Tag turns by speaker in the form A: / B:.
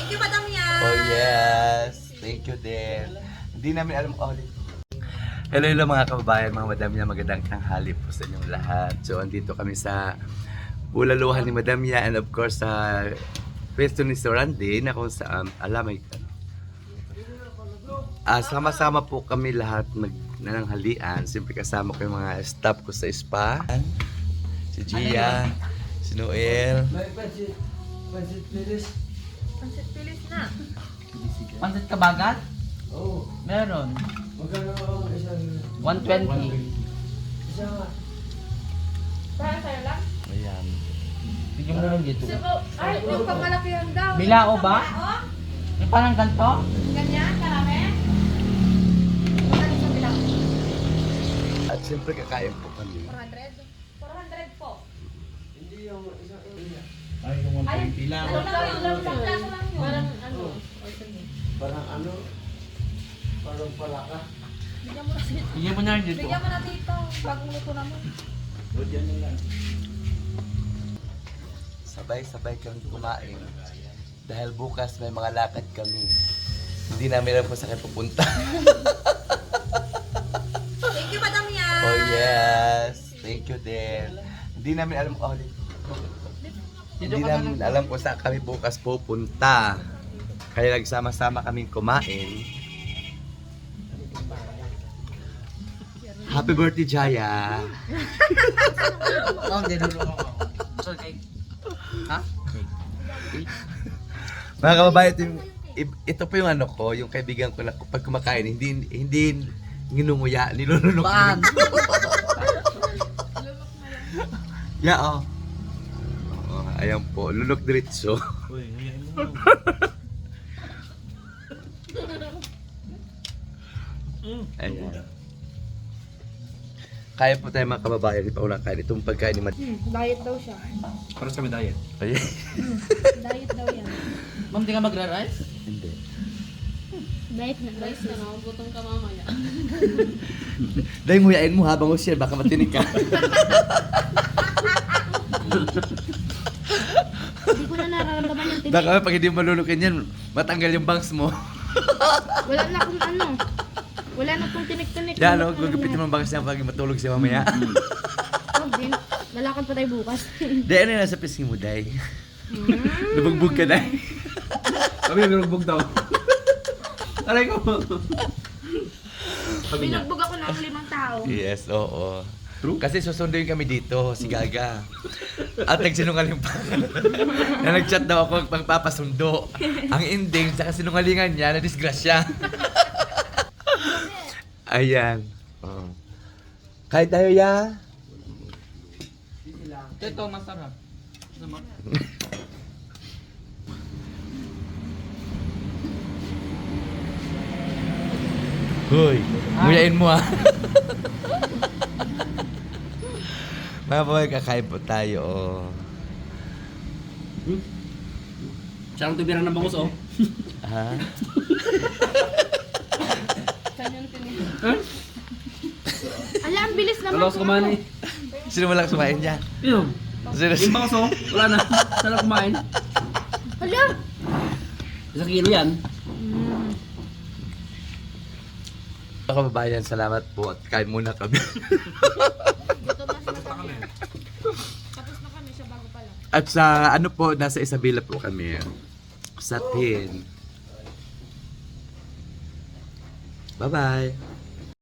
A: Thank you, Madam Yan.
B: Oh yes, thank you din. Hindi namin alam ulit. Hello, hello mga kababayan, mga madam niya, magandang tanghali po sa inyong lahat. So, andito kami sa bulaluhan ni Madam Yan and of course sa pwesto ni Sir Randy na kung saan, alam ay sama-sama po kami lahat nananghalian. Siyempre kasama ko yung mga staff ko sa spa. Si Gia, si Noel.
A: Pansit pilis na.
C: Pansit kabagat?
D: Oo.
C: Meron.
D: Magkano ang isang...
C: 120.
A: Para sa'yo lang?
B: Ayan.
C: Bigyan mo lang dito.
A: Ay, yung pamalakihan daw.
C: Bilao ba?
A: Oh,
C: Yung parang ganito?
A: ganyan, karami. Ano sa bilao?
B: At siyempre kakain po kami.
A: 400? 400 po.
D: Hindi yung isang...
C: Ay, yung
A: Ay, ano lang yun? Isang plato lang yun. Parang ano?
D: Parang ano? Parang palaka.
A: Bigyan mo na dito.
C: Bigyan mo na rin dito.
A: Bigyan mo na dito. Bagong luto naman.
D: Budyan mo lang.
B: Sabay-sabay kami kumain. Dahil bukas may mga lakad kami. Hindi namin alam kung saan kayo pupunta.
A: Thank you, Madam Yan.
B: Oh yes, thank you din. Hindi namin alam ulit. Hindi namin alam kung saan kami bukas pupunta. Kaya nagsama-sama kaming kumain. Happy birthday, Jaya!
C: Oh, hindi lulong ako. So, cake. Ha?
B: Mga kababayan, ito po yung ano ko, yung kaibigan ko na pag kumakain, hindi nginunguya, nilulunok.
C: Baan?
B: Yeah, oh. Ayan po, lunok diretso.
C: Uy, ngayon mo.
B: Ayan. Kaya po tayo mga kababayan, di pa unang kain. Itong pagkain ni
A: Diet daw siya.
C: Para sa medalya.
B: Ayan.
A: Diet daw yan.
C: Ma'am, di ka magra-rice?
B: Hindi.
A: Diet na. Rice na, gutom ka mamaya.
B: Dahil nguyain mo habang share, baka matinig ka.
A: Hindi ko na nararamdaman yung tinik.
B: Baka pag hindi mo malulukin yan, matanggal yung bangs mo.
A: Wala na akong ano. Wala na akong tinik-tinik.
B: Yan, no? Gugupitin mo ang bangs niya pag matulog siya mamaya.
A: Huwag din. Lalakad pa tayo bukas.
B: Dahil ano yung nasa pisngi mo, Day? Lubugbog ka, Day.
C: Kami nagbog daw. Aray ko.
A: Binugbog ako ng 5 tao.
B: Yes, oo. True? Kasi susunduin kami dito, si Gaga. At nagsinungaling pa. Na nag-chat daw ako pagpapasundo. Ang ending, sa kasinungalingan niya, na-disgrasya. Ayan. Oh. Kahit tayo, ya.
C: Ito, masarap. Naman.
B: Hoy, nguyain mo ah. Mga boy, kakain po tayo. Oh.
C: Sarang tubirang ng bangus, oh.
B: Ha?
A: Ala, ang bilis naman.
C: Alas kumain eh.
B: Sino walang sumain niya?
C: Yun.
B: Sino?
C: Yung bangus, oh. Wala na. Sarang kumain.
A: Ala!
C: Isang kilo yan.
B: Mga kababayan, salamat po at kain muna kami.
A: Gutom na sila kami. Tapos na kami siya bago pa lang.
B: At sa ano po, nasa Isabela po kami. Sa Tin. Bye-bye.